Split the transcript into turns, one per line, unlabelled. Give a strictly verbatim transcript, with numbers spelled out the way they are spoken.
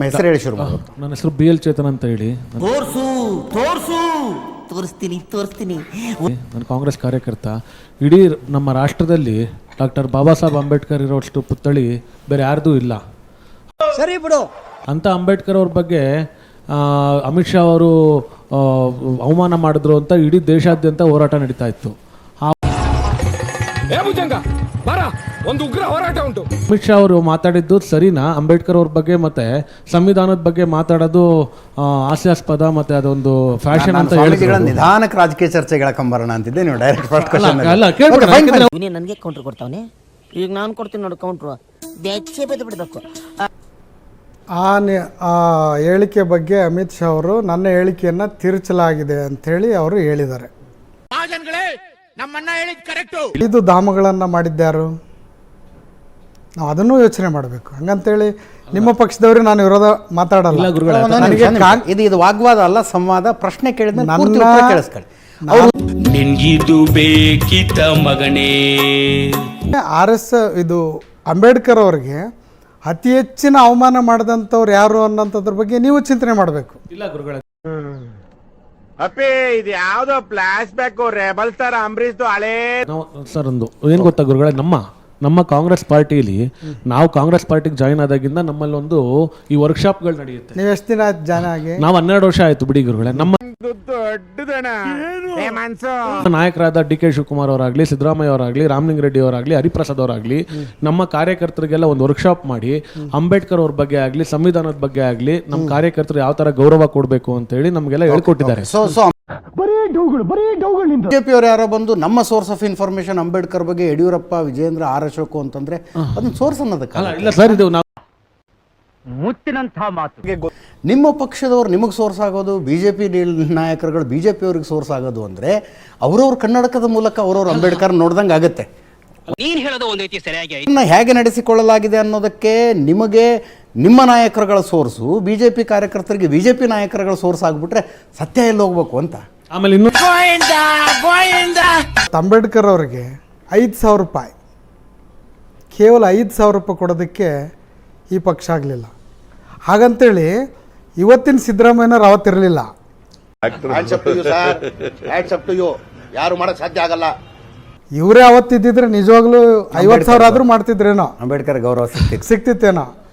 ಹೆಸರು ಹೇಳಿ ಶುರು ಮಾಡೋದು.
ನನ್ನ ಹೆಸರು ಬಿ ಎಲ್ ಚೇತನ್ ಅಂತ ಹೇಳಿ.
ತೋರ್ಸು ತೋರ್ಸು ತೋರಿಸ್ತೀನಿ ತೋರಿಸ್ತೀನಿ
ನಾನು ಕಾಂಗ್ರೆಸ್ ಕಾರ್ಯಕರ್ತ. ಇಡೀ ನಮ್ಮ ರಾಷ್ಟ್ರದಲ್ಲಿ ಡಾಕ್ಟರ್ ಬಾಬಾ ಸಾಹೇಬ್ ಅಂಬೇಡ್ಕರ್ ಇರೋಷ್ಟು ಪುತ್ಥಳಿ ಬೇರೆ ಯಾರ್ದೂ ಇಲ್ಲ.
ಸರಿ ಬಿಡು
ಅಂತ ಅಂಬೇಡ್ಕರ್ ಅವ್ರ ಬಗ್ಗೆ ಅಮಿತ್ ಶಾ ಅವರು ಅವಮಾನ ಮಾಡಿದ್ರು ಅಂತ ಇಡೀ ದೇಶಾದ್ಯಂತ ಹೋರಾಟ ನಡೀತಾ ಇತ್ತು.
ಒಂದು ಉಗ್ರ ಹೋರಾಟ ಉಂಟು.
ಅಮಿತ್ ಶಾ ಅವರು ಮಾತಾಡಿದ್ದು ಸರಿನಾ? ಅಂಬೇಡ್ಕರ್ ಅವ್ರ ಬಗ್ಗೆ ಮತ್ತೆ ಸಂವಿಧಾನದ ಬಗ್ಗೆ ಮಾತಾಡೋದು ಹಾಸ್ಯಾಸ್ಪದ ಮತ್ತೆ ಅದೊಂದು ಫ್ಯಾಷನ್ ಅಂತ ಹೇಳಿ
ನಿಧಾನಕ್ಕೆ ರಾಜಕೀಯ ಚರ್ಚೆಗಳ ಕಂಬರೋಣ ಅಂತಿದ್ದೆ. ನೀವು ಡೈರೆಕ್ಟ್ ಫಸ್ಟ್ ಕ್ವಶ್ಚನ್
ನನಗೆ ಕೌಂಟರ್ ಕೊಡ್ತಾವನೆ. ಈಗ ನಾನು ಕೊಡ್ತೀನಿ ನೋಡಿ ಕೌಂಟ್ರು. ಬೆಚ್ಚೆ ಬೆದ್ದು ಬಿಡಬೇಕು.
ಆ ಆ ಹೇಳಿಕೆ ಬಗ್ಗೆ ಅಮಿತ್ ಶಾ ಅವರು ನನ್ನ ಹೇಳಿಕೆಯನ್ನು ತಿರುಚಲಾಗಿದೆ ಅಂಥೇಳಿ ಅವರು ಹೇಳಿದ್ದಾರೆ. ಐದು ಧಾಮಗಳನ್ನು ಮಾಡಿದ್ಯಾರು? ನಾವು ಅದನ್ನೂ ಯೋಚನೆ ಮಾಡಬೇಕು. ಹಂಗಂತೇಳಿ ನಿಮ್ಮ ಪಕ್ಷದವರು ನಾನು ವಿರೋಧ ಮಾತಾಡಲ್ಲ.
ಇದು ಇದು ವಾಗ್ವಾದ ಅಲ್ಲ, ಸಂವಾದ. ಪ್ರಶ್ನೆ ಕೇಳಿದ್ರೆ ಕೇಳಿಸ್ಕೊಳ್ಳಿ.
ನಿನ್ಗಿದು ಬೇಕಿತ ಮಗನೇ.
ಆರ್ ಎಸ್ ಇದು ಅಂಬೇಡ್ಕರ್ ಅವ್ರಿಗೆ ಅತಿ ಹೆಚ್ಚಿನ ಅವಮಾನ ಮಾಡಿದಂಥವ್ರು ಯಾರು ಅನ್ನೋಂಥದ್ರ ಬಗ್ಗೆ ನೀವು ಚಿಂತನೆ ಮಾಡಬೇಕು.
ಇಲ್ಲ ಗುರುಗಳ
ಅಪ್ಪೇ ಇದು ಯಾವ್ದೋ ಫ್ಲಾಶ್ ಬ್ಯಾಕ್ ರೆಬಲ್ ತರ ಅಂಬರೀಶ್ ಹಳೇ
ಸರ್. ಒಂದು ಏನ್ ಗೊತ್ತಾ ಗುರುಗಳೇ, ನಮ್ಮ ನಮ್ಮ ಕಾಂಗ್ರೆಸ್ ಪಾರ್ಟಿಲಿ ನಾವು ಕಾಂಗ್ರೆಸ್ ಪಾರ್ಟಿಗೆ ಜಾಯಿನ್ ಆದಾಗಿಂದ ನಮ್ಮಲ್ಲಿ ಒಂದು ಈ ವರ್ಕ್ಶಾಪ್ಗಳು ನಡೆಯುತ್ತೆ.
ನೀವು ಎಷ್ಟು ದಿನ ಆಯ್ತು ಜಾಯ್ನ್ ಆಗಿ?
ನಾವು ಹನ್ನೆರಡು ವರ್ಷ ಆಯ್ತು ಬಿಡಿ ಗುರುಗಳೇ. ನಮ್ಮ
ದೊಡ್ಡದಣ
ನಾಯಕರಾದ ಡಿ ಕೆ ಶಿವಕುಮಾರ್ ಅವರಾಗ್ಲಿ, ಸಿದ್ದರಾಮಯ್ಯ ಅವರಾಗ್ಲಿ, ರಾಮಲಿಂಗ ರೆಡ್ಡಿ ಅವರಾಗ್ಲಿ, ಹರಿಪ್ರಸಾದ್ ಅವರಾಗ್ಲಿ ನಮ್ಮ ಕಾರ್ಯಕರ್ತರಿಗೆಲ್ಲ ಒಂದು ವರ್ಕ್ಶಾಪ್ ಮಾಡಿ ಅಂಬೇಡ್ಕರ್ ಅವ್ರ ಬಗ್ಗೆ ಆಗ್ಲಿ, ಸಂವಿಧಾನದ ಬಗ್ಗೆ ಆಗ್ಲಿ, ನಮ್ಮ ಕಾರ್ಯಕರ್ತರು ಯಾವ ತರ ಗೌರವ ಕೊಡಬೇಕು ಅಂತ ಹೇಳಿ ನಮ್ಗೆಲ್ಲ ಹೇಳ್ಕೊಟ್ಟಿದ್ದಾರೆ.
ಸೊ ಸೊ ಬಿಜೆಪಿ ಅವರು ಯಾರೋ ಬಂದು ನಮ್ಮ ಸೋರ್ಸ್ ಆಫ್ ಇನ್ಫಾರ್ಮೇಶನ್ ಅಂಬೇಡ್ಕರ್ ಬಗ್ಗೆ ಯಡಿಯೂರಪ್ಪ, ವಿಜೇಂದ್ರ, ಆರ್ ಅಶೋಕ್ ಅಂತಂದ್ರೆ ಅದನ್ನ ಸೋರ್ಸ್ ಅನ್ನೋದಕ್ಕೆ
ಇಲ್ಲ ಸರ್. ಇದು ನಾವು
ಮುತ್ತಿನಂತಹ ಮಾತು.
ನಿಮ್ಮ ಪಕ್ಷದವ್ರು ನಿಮಗೆ ಸೋರ್ಸ್ ಆಗೋದು, ಬಿಜೆಪಿ ನಾಯಕರುಗಳು ಬಿಜೆಪಿ ಅವ್ರಿಗೆ ಸೋರ್ಸ್ ಆಗೋದು ಅಂದ್ರೆ ಅವ್ರವ್ರ ಕನ್ನಡಕದ ಮೂಲಕ ಅವ್ರವ್ರ ಅಂಬೇಡ್ಕರ್ ನೋಡ್ದಂಗೆ ಆಗುತ್ತೆ.
ನೀನ್ ಹೇಳೋದು ಒಂದು ರೀತಿ ಸರಿಯಾಗಿ
ಹೇಗೆ ನಡೆಸಿಕೊಳ್ಳಲಾಗಿದೆ ಅನ್ನೋದಕ್ಕೆ ನಿಮಗೆ ನಿಮ್ಮ ನಾಯಕರುಗಳ ಸೋರ್ಸು, ಬಿಜೆಪಿ ಕಾರ್ಯಕರ್ತರಿಗೆ ಬಿಜೆಪಿ ನಾಯಕರುಗಳ ಸೋರ್ಸ್ ಆಗ್ಬಿಟ್ರೆ ಸತ್ಯ ಎಲ್ಲಿ ಹೋಗ್ಬೇಕು ಅಂತ.
ಆಮೇಲೆ ಇನ್ನು
ಅಂಬೇಡ್ಕರ್ ಅವರಿಗೆ ಐದು ಸಾವಿರ ರೂಪಾಯಿ ಕೇವಲ ಐದು ಸಾವಿರ ರೂಪಾಯಿ ಕೊಡೋದಕ್ಕೆ ಈ ಪಕ್ಷ ಆಗಲಿಲ್ಲ. ಹಾಗಂತೇಳಿ ಇವತ್ತಿನ ಸಿದ್ದರಾಮಯ್ಯನವ್ರು ಅವತ್ತಿರಲಿಲ್ಲ.
ಯಾರು ಮಾಡಕ್ ಸಾಧ್ಯ ಆಗಲ್ಲ.
ಇವರೇ ಅವತ್ತಿದ್ದಿದ್ರೆ ನಿಜವಾಗ್ಲೂ ಐವತ್ತು ಸಾವಿರ ಆದ್ರೂ ಮಾಡ್ತಿದ್ರೇನೋ,
ಅಂಬೇಡ್ಕರ್ ಗೌರವ ಸಿಕ್ತಿತ್ತು
ಸಿಕ್ತಿತ್ತೇನೋ.